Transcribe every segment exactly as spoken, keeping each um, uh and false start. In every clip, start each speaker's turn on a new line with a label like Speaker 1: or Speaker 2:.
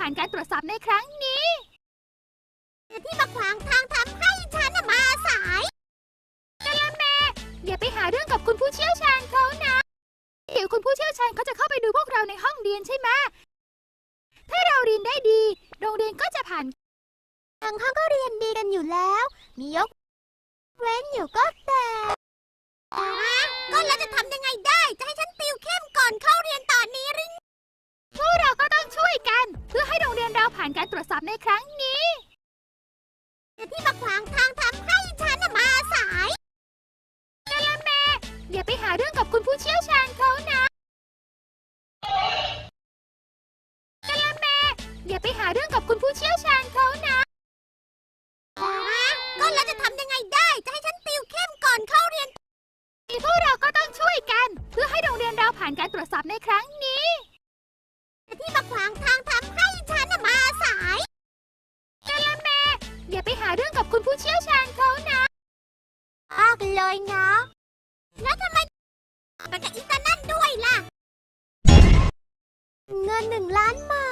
Speaker 1: ผ่านการตรวจสอบในครั้งนี้
Speaker 2: ที่มาขวางทางทำให้ฉันมาสาย
Speaker 1: กะละแมอย่าไปหาเรื่องกับคุณผู้เชี่ยวชาญเขานะเดี๋ยวคุณผู้เชี่ยวชาญเขาจะเข้าไปดูพวกเราในห้องเรียนใช่ไหมถ้าเราเรียนได้ดีโรงเรียนก็จะผ่าน
Speaker 2: ทางห้องก็เรียนดีกันอยู่แล้วมียกเว้นอยู่ก็แต่ก็แล้วจะทำยังไงได้จะให้ฉันติวเข้มก่อนเข้าเรียนตอนนี้หรือ
Speaker 1: พวกเราก็ต้องช่วยกันเพื่อให้โรงเรียนเราผ่านการตรวจสอบในครั้งนี้
Speaker 2: ที่มาขวางทางทำให้ฉันมาสาย
Speaker 1: กะละแมอย่าไปหาเรื่องกับคุณผู้เชี่ยวชาญเขานะกะละแมอย่าไปหาเรื่องกับคุณผู้เชี่ยวชาญเขานะ
Speaker 2: ก็แล้วจะทำยังไงได้จะให้ฉันติวเข้มก่อนเข้าเรียน
Speaker 1: พวกเราก็ต้องช่วยกันเพื่อให้โรงเรียนเราผ่านการตรวจสอบในครั้งนี้
Speaker 2: ที่มาขวางทางทำให้ฉันมาสาย
Speaker 1: กะละแมอย่าไปหาเรื่องกับคุณผู้เชี่ยวชาญเขานะ
Speaker 2: ออกเลยนะแล้วทำไมไปกับอีตานั่นด้วยล่ะเงินหนึ่งล้านมา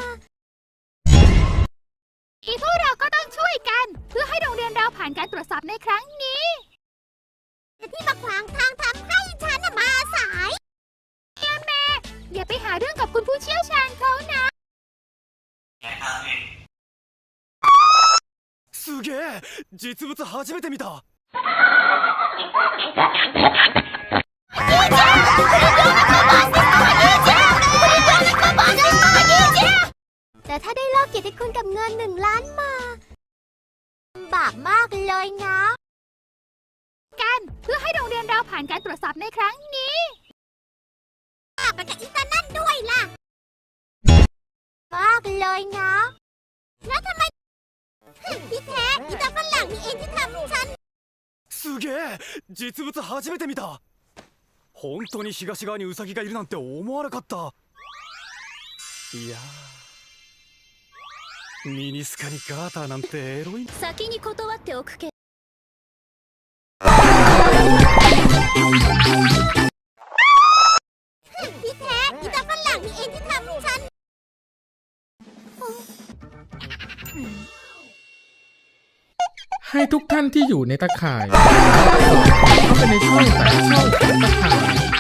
Speaker 1: อีพวกเราก็ต้องช่วยกันเพื่อให้โรงเรียนเราผ่านการตรวจสอบในครั้งนี้
Speaker 2: ที่มาขวางทางทำให้ฉันมาสาย
Speaker 1: กะละแมอย่าไปหาเรื่องกับคุณผู้เชี่ยวชาญเขานะ
Speaker 3: すげえ実物初めて見た
Speaker 2: แต่ถ้าได้ลอกเกียรติคุณกับเงินหนึ่งล้านมาบาปมากเลยนะ
Speaker 1: กันเพื่อให้โรงเรียนเราผ่านการตรวจสอบในครั้งนี้
Speaker 2: ไปกับอีตานั่นด้วยล่ะมากเลยนะแล้วทำไมที่แท้อีตาฝรั่งนี่เองที่ทำฉัน
Speaker 3: すげえ実物初めて見た本当に東側にウサギがいるなんて思わなかったいやミニスカにガーターなんてエロい
Speaker 1: 先に断っておくけ
Speaker 2: ที่แท้อีตาฝรั่งนี่เองที่ทำฉัน
Speaker 4: ให้ทุกท่านที่อยู่ในตะข่ายเข้าไปในช่องแต่ละช่องของตะข่าย